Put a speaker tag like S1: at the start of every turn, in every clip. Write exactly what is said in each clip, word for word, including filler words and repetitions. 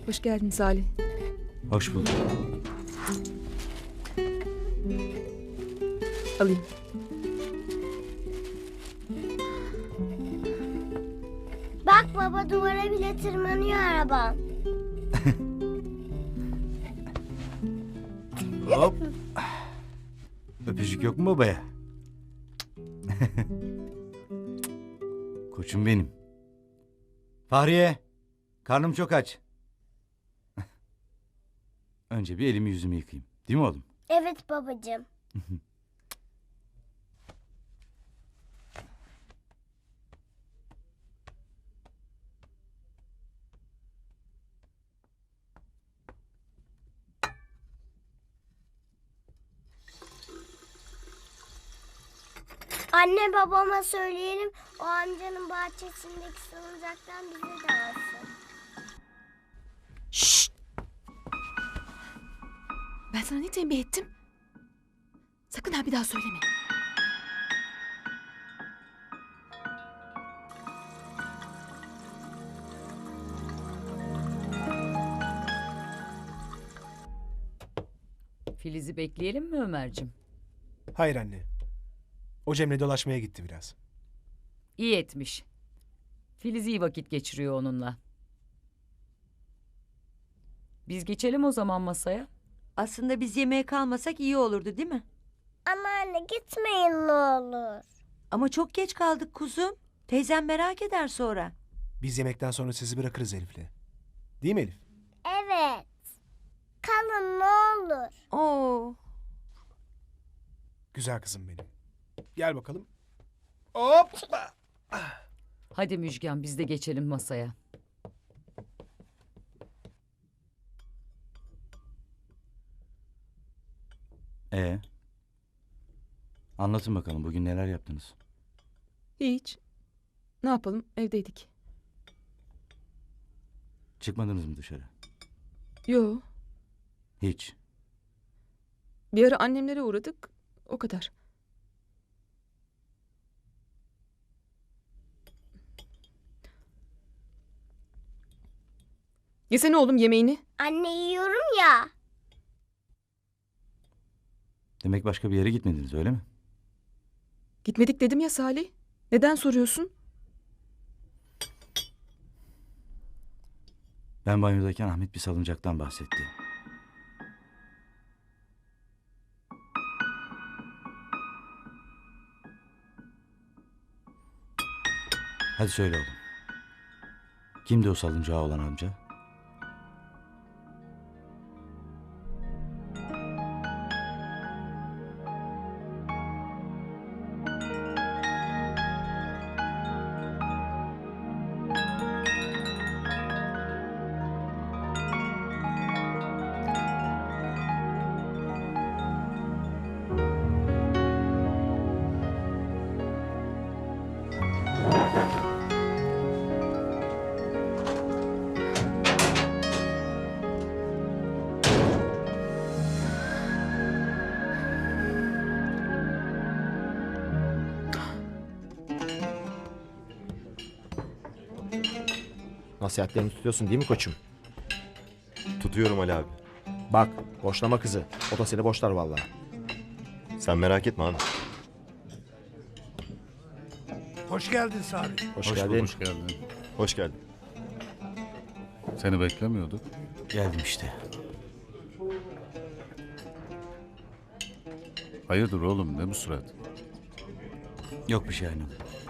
S1: Hoş geldin Salih.
S2: Hoş bulduk.
S1: Alayım.
S3: Bak baba, duvara bile tırmanıyor arabam.
S2: Hop. Öpücük yok mu babaya? Koçum benim. Fahriye, karnım çok aç. Önce bir elimi yüzümü yıkayayım. Değil mi oğlum?
S3: Evet babacığım. Anne babama söyleyelim, o amcanın bahçesindeki salıncaktan bize de alsın.
S1: Şşt! Ben sana ne tembih ettim? Sakın ha bir daha söyleme.
S4: Filiz'i bekleyelim mi Ömerciğim?
S5: Hayır anne. O Cem'le dolaşmaya gitti biraz.
S4: İyi etmiş. Filiz iyi vakit geçiriyor onunla. Biz geçelim o zaman masaya.
S6: Aslında biz yemeğe kalmasak iyi olurdu değil mi?
S3: Ama anne gitmeyin ne olur.
S6: Ama çok geç kaldık kuzum. Teyzem merak eder sonra.
S5: Biz yemekten sonra sizi bırakırız Elif'le. Değil mi Elif?
S3: Evet. Kalın ne olur.
S6: Oo.
S5: Güzel kızım benim. Gel bakalım. Hop!
S4: Hadi Müjgan biz de geçelim masaya.
S2: Ee, anlatın bakalım bugün neler yaptınız?
S1: Hiç. Ne yapalım? Evdeydik.
S2: Çıkmadınız mı dışarı?
S1: Yo.
S2: Hiç.
S1: Bir ara annemlere uğradık. O kadar. Yesene oğlum yemeğini.
S3: Anne yiyorum ya.
S2: Demek başka bir yere gitmediniz öyle mi?
S1: Gitmedik dedim ya Salih. Neden soruyorsun?
S2: Ben banyodayken Ahmet bir salıncaktan bahsetti. Hadi söyle oğlum. Kimdi o salıncağı olan amca?
S7: Nasihatlerini tutuyorsun değil mi koçum?
S8: Tutuyorum Ali abi.
S7: Bak, boşlama kızı. O da seni boşlar vallahi.
S8: Sen merak etme abi.
S5: Hoş geldin Salih.
S7: Hoş,
S8: Hoş
S7: geldin.
S8: bulduk.
S9: Hoş geldin.
S8: Hoş geldin.
S9: Seni beklemiyorduk.
S2: Geldim işte.
S9: Hayırdır oğlum ne bu surat?
S2: Yok bir şey Aynur.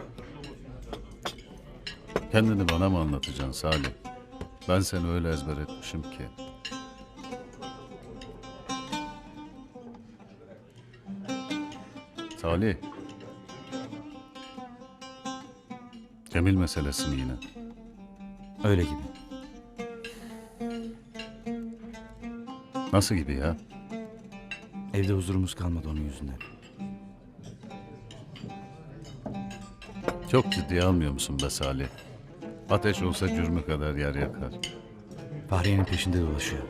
S9: Kendini bana mı anlatacaksın Salih? Ben seni öyle ezber etmişim ki. Salih. Cemil meselesi mi yine?
S2: Öyle gibi.
S9: Nasıl gibi ya?
S2: Evde huzurumuz kalmadı onun yüzünden.
S9: Çok ciddiye almıyor musun be Salih? Ateş olsa cürmü kadar yer yakar.
S2: Fahriye'nin peşinde dolaşıyor.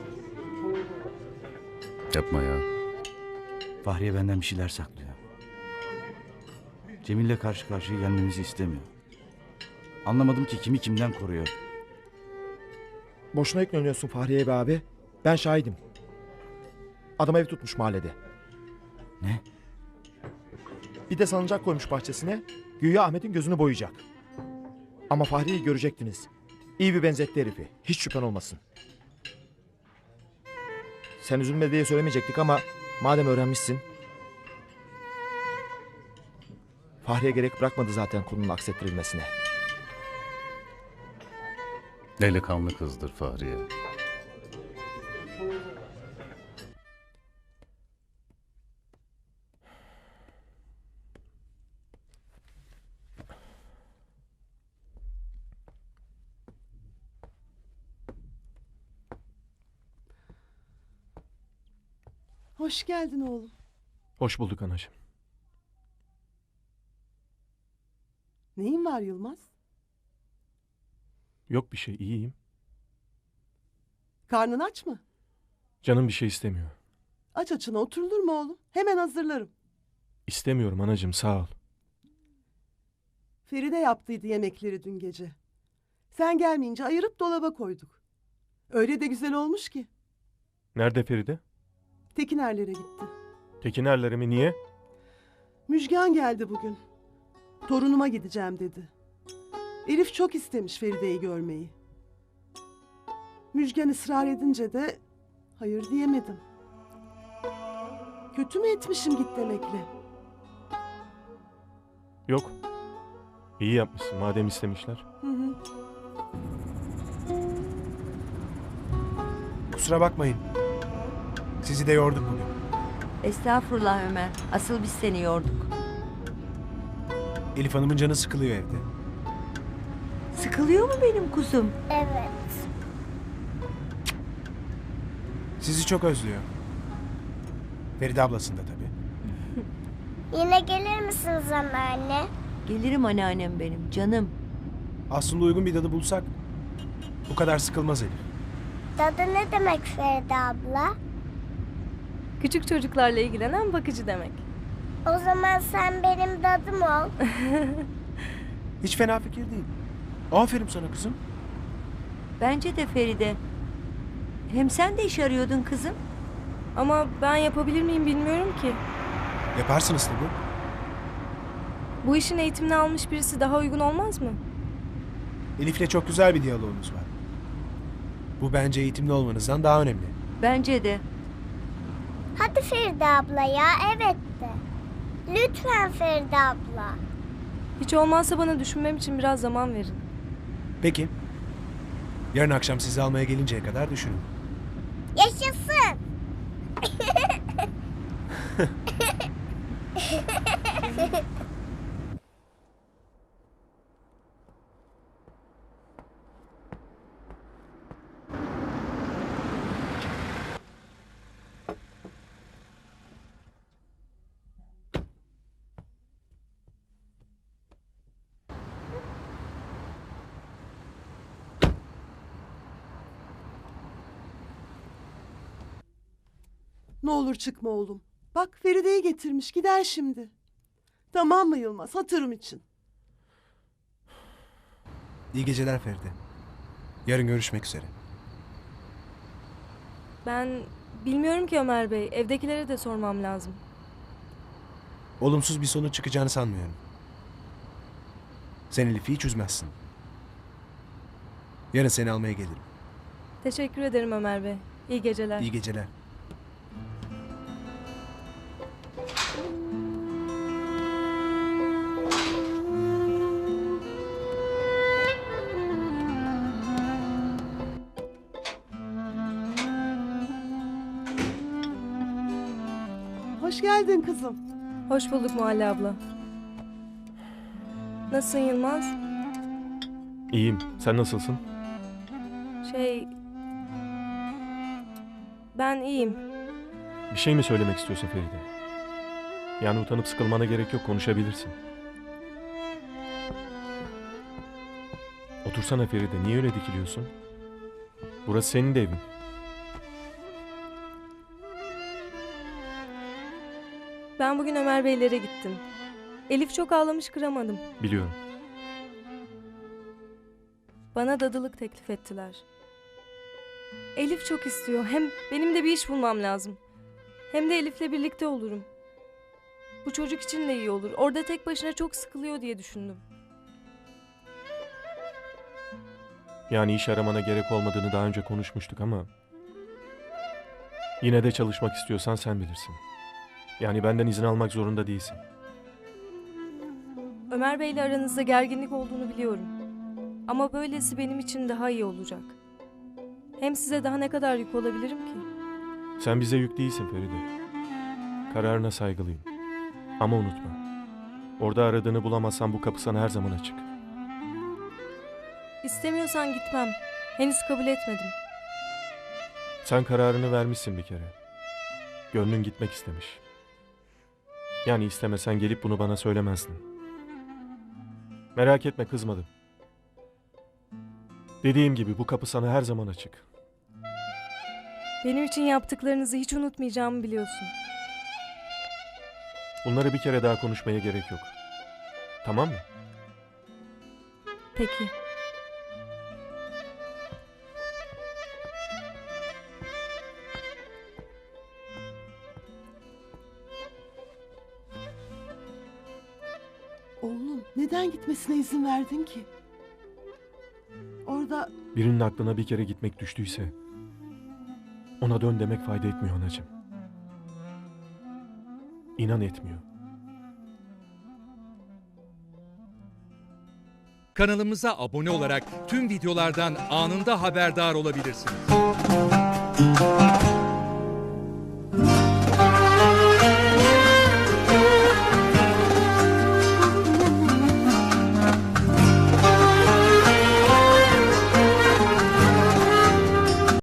S9: Yapma ya.
S2: Fahriye benden bir şeyler saklıyor. Cemil'le karşı karşıya gelmemizi istemiyor. Anlamadım ki kimi kimden koruyor.
S7: Boşuna yükleniyorsun Fahriye be abi. Ben şahidim. Adam ev tutmuş mahallede.
S2: Ne?
S7: Bir de salıncak koymuş bahçesine. Güya Ahmet'in gözünü boyayacak. Ama Fahriye'yi görecektiniz. İyi bir benzetti herifi. Hiç şüphen olmasın. Sen üzülme diye söylemeyecektik ama madem öğrenmişsin. Fahriye gerek bırakmadı zaten konunun aksettirilmesine.
S9: Delikanlı kızdır Fahriye.
S10: Hoş geldin oğlum.
S5: Hoş bulduk anacığım.
S10: Neyin var Yılmaz?
S5: Yok bir şey, iyiyim.
S10: Karnın aç mı?
S5: Canım bir şey istemiyor.
S10: Aç açına oturulur mu oğlum? Hemen hazırlarım.
S5: İstemiyorum anacığım, sağ ol.
S10: Feride yaptıydı yemekleri dün gece. Sen gelmeyince ayırıp dolaba koyduk. Öyle de güzel olmuş ki.
S5: Nerede Feride?
S10: Tekinerlere gitti.
S5: Tekinerlere mi, niye?
S10: Müjgan geldi bugün. Torunuma gideceğim dedi. Elif çok istemiş Feride'yi görmeyi. Müjgan ısrar edince de hayır diyemedim. Kötü mü etmişim git demekle?
S5: Yok. İyi yapmışsın madem istemişler.
S10: Hı hı.
S5: Kusura bakmayın. Sizi de yorduk bugün.
S6: Estağfurullah Ömer. Asıl biz seni yorduk.
S5: Elif Hanım'ın canı sıkılıyor evde.
S6: Sıkılıyor mu benim kuzum?
S3: Evet.
S5: Sizi çok özlüyor. Feride ablasını da tabii.
S3: Yine gelir misiniz anneanne?
S6: Gelirim anneannem benim canım.
S5: Aslında uygun bir dadı bulsak bu kadar sıkılmaz Elif.
S3: Dadı ne demek Feride abla?
S1: Küçük çocuklarla ilgilenen bakıcı demek.
S3: O zaman sen benim dadım ol.
S5: Hiç fena fikir değil. Aferin sana kızım.
S6: Bence de Feride. Hem sen de iş arıyordun kızım.
S1: Ama ben yapabilir miyim bilmiyorum ki.
S5: Yaparsınız tabii.
S1: Bu işin eğitimini almış birisi daha uygun olmaz mı?
S5: Elif'le çok güzel bir diyaloğunuz var. Bu bence eğitimli olmanızdan daha önemli.
S6: Bence de.
S3: Hadi Feride abla ya, evet de. Lütfen Feride abla.
S1: Hiç olmazsa bana düşünmem için biraz zaman verin.
S5: Peki. Yarın akşam sizi almaya gelinceye kadar düşünün.
S3: Yaşasın.
S10: Ne olur çıkma oğlum. Bak Feride'yi getirmiş gider şimdi. Tamam mı Yılmaz? Hatırım için.
S5: İyi geceler Feride. Yarın görüşmek üzere.
S1: Ben bilmiyorum ki Ömer Bey. Evdekilere de sormam lazım.
S5: Olumsuz bir sonuç çıkacağını sanmıyorum. Sen Elif'i hiç üzmezsin. Yarın seni almaya gelirim.
S1: Teşekkür ederim Ömer Bey. İyi geceler.
S5: İyi geceler.
S10: Hoş geldin kızım.
S1: Hoş bulduk Muhalle abla. Nasılsın Yılmaz?
S5: İyiyim. Sen nasılsın?
S1: Şey... Ben iyiyim.
S5: Bir şey mi söylemek istiyorsun Feride? Yani utanıp sıkılmana gerek yok, konuşabilirsin. Otursana Feride, niye öyle dikiliyorsun? Burası senin de evin.
S1: Ben bugün Ömer Beylere gittim. Elif çok ağlamış, kıramadım.
S5: Biliyorum.
S1: Bana dadılık teklif ettiler. Elif çok istiyor. Hem benim de bir iş bulmam lazım. Hem de Elif'le birlikte olurum. Bu çocuk için de iyi olur. Orada tek başına çok sıkılıyor diye düşündüm.
S11: Yani iş aramana gerek olmadığını daha önce konuşmuştuk ama... Yine de çalışmak istiyorsan sen bilirsin. Yani benden izin almak zorunda değilsin.
S1: Ömer Bey'le aranızda gerginlik olduğunu biliyorum. Ama böylesi benim için daha iyi olacak. Hem size daha ne kadar yük olabilirim ki?
S11: Sen bize yük değilsin Feride. Kararına saygılıyım. Ama unutma. Orada aradığını bulamazsan bu kapı sana her zaman açık.
S1: İstemiyorsan gitmem. Henüz kabul etmedim.
S11: Sen kararını vermişsin bir kere. Gönlün gitmek istemiş. Yani istemesen gelip bunu bana söylemezdin. Merak etme, kızmadım. Dediğim gibi bu kapı sana her zaman açık.
S1: Benim için yaptıklarınızı hiç unutmayacağımı biliyorsun.
S11: Bunları bir kere daha konuşmaya gerek yok. Tamam mı?
S1: Peki.
S10: Oğlum neden gitmesine izin verdin ki? Orada
S11: Birinin aklına bir kere gitmek düştüyse ona dön demek fayda etmiyor anacığım. İnan etmiyor.
S12: Kanalımıza abone olarak tüm videolardan anında haberdar olabilirsiniz.